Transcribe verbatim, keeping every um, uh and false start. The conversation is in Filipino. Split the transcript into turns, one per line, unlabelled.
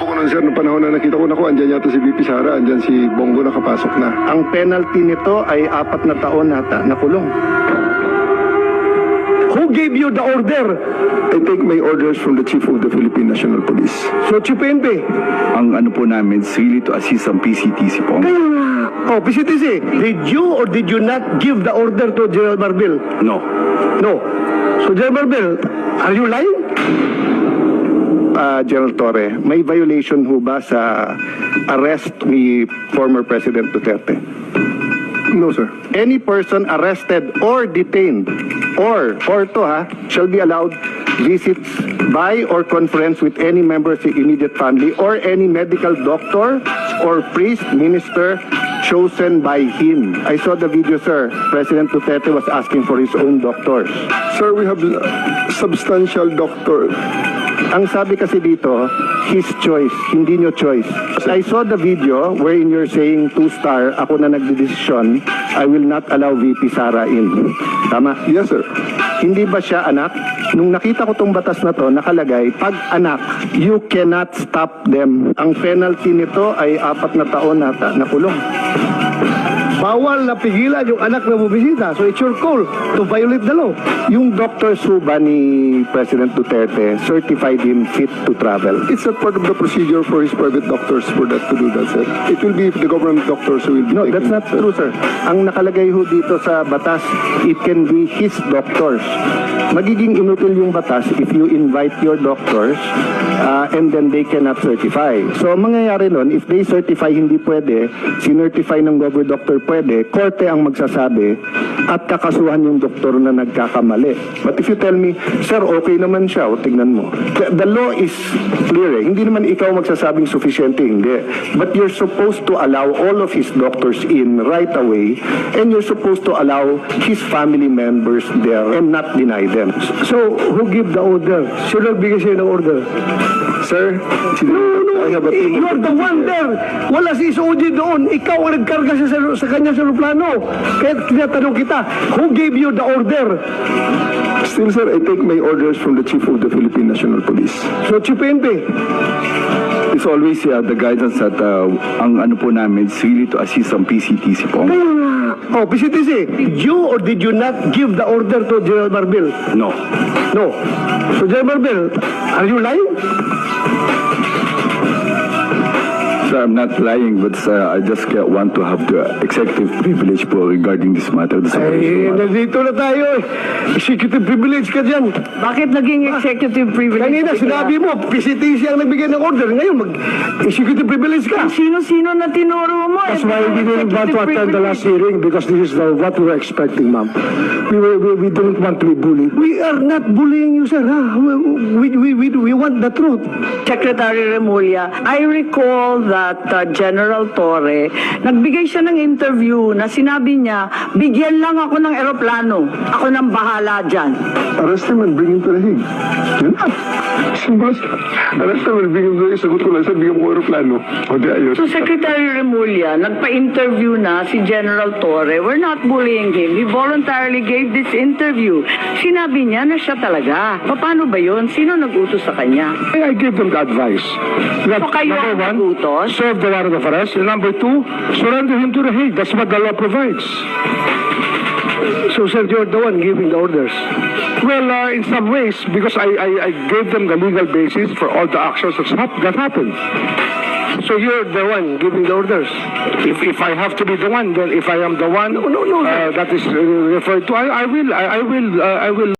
ko nun, sir, noong panahon na nakita ko na ko, andyan yata si V P Sara, andyan si Bongo nakapasok na.
Ang penalty nito ay apat na taon nata na kulong.
Who gave you the order?
I take my orders from the Chief of the Philippine National Police.
So, Chief P N P.
Ang ano po namin is really to assist ang P C T C po.
Kaya nga. Oh, P C T C, did you or did you not give the order to General Marbil?
No.
No. So, General Marbil, are you lying?
Ah, General Torre, may violation ho ba sa arrest ni former President Duterte?
No, sir.
Any person arrested or detained or, or to ha, shall be allowed visits by or conference with any member of the immediate family or any medical doctor or priest, minister chosen by him. I saw the video, sir. President Duterte was asking for his own doctors.
Sir, we have uh, substantial doctor.
Ang sabi kasi dito, his choice, hindi nyo choice. I saw the video wherein you're saying two-star, ako na nagdedesisyon, I will not allow V P Sara in. Tama?
Yes, sir.
Hindi ba siya anak? Nung nakita ko tong batas na to, nakalagay, pag anak, you cannot stop them. Ang penalty nito ay apat na taon nata na kulong.
Bawal na pigilan yung anak na bubisita. So, it's your call to violate the law.
Yung doctors ho ba ni President Duterte certified him fit to travel?
It's not part of the procedure for his private doctors for that to do that, sir. It will be the government doctors who will be
No,
taking
that's not
it, sir.
true, sir. Ang nakalagay ho dito sa batas, it can be his doctors. Magiging inutil yung batas if you invite your doctors uh, and then they cannot certify. So, ang mangyayari nun, if they certify hindi pwede, sinertify ng government doctor pwede, korte ang magsasabi at kakasuhan yung doktor na nagkakamali. But if you tell me, sir, okay naman siya, o tignan mo. The, the law is clear eh. Hindi naman ikaw magsasabing sufficiente, hindi. But you're supposed to allow all of his doctors in right away and you're supposed to allow his family members there and not deny them.
So, who give the order? Sino nagbigay sa'yo ng order?
Sir,
No, no,
I have a team
you
of
are the one there. Wala si S O G doon. Ikaw ang nagkarga sa, sa kanya sa aeroplano. Kaya tinatanong kita, who gave you the order?
Still, sir, I take my orders from the Chief of the Philippine National Police.
So, Chief P N P.
It's always uh, the guidance that uh, ang ano po namin is really to assist ang P C T C po.
Kaya nga. Oh, P C T C, did you or did you not give the order to General Marbil?
No.
No. So, General Marbil, are you lying?
Sir, I'm not lying, but uh, I just uh, want to have the executive privilege po regarding this matter. This
Ay,
operation.
nandito na tayo eh. Executive privilege ka dyan.
Bakit naging executive privilege?
Kanina sinabi mo, P C T C ang nagbigay ng order. Ngayon, mag-executive privilege ka.
Sino-sino na tinuro mo?
That's
Eh,
why we didn't want to attend the last hearing because this is the, what we were expecting, ma'am. We, were, we, we didn't want to be bullied. We are not bullying you, sir. Ha? We, we, we, we want the truth.
Secretary Remulla, I recall that uh, General Torre, nagbigay siya ng interview na sinabi niya, bigyan lang ako ng eroplano. Ako nang bahala dyan.
Arrest him and bring him to the Hague. Yun na. Simbas. Arrest him and bring him to the Hague. Sagot ko lang, sir, bigyan mo ko aeroplano. O di ayos.
So Secretary Remulla, nagpa-interview na si General Torre. We're not bullying him. He voluntarily gave this interview. Sinabi niya na siya talaga. Paano ba yun? Sino nag-utos sa kanya?
I gave them the advice. That,
So kayo ang nag-utos?
serve the warrant of arrest. And number two, surrender him to the Hague. That's what the law provides. So, sir, you're the one giving the orders. Well, uh, in some ways, because I, I, I gave them the legal basis for all the actions that's hap that happened. So you're the one giving the orders. If if I have to be the one, then if I am the one, no, no, no, uh, that is uh, referred to, I, I will, I, I will, uh, I will.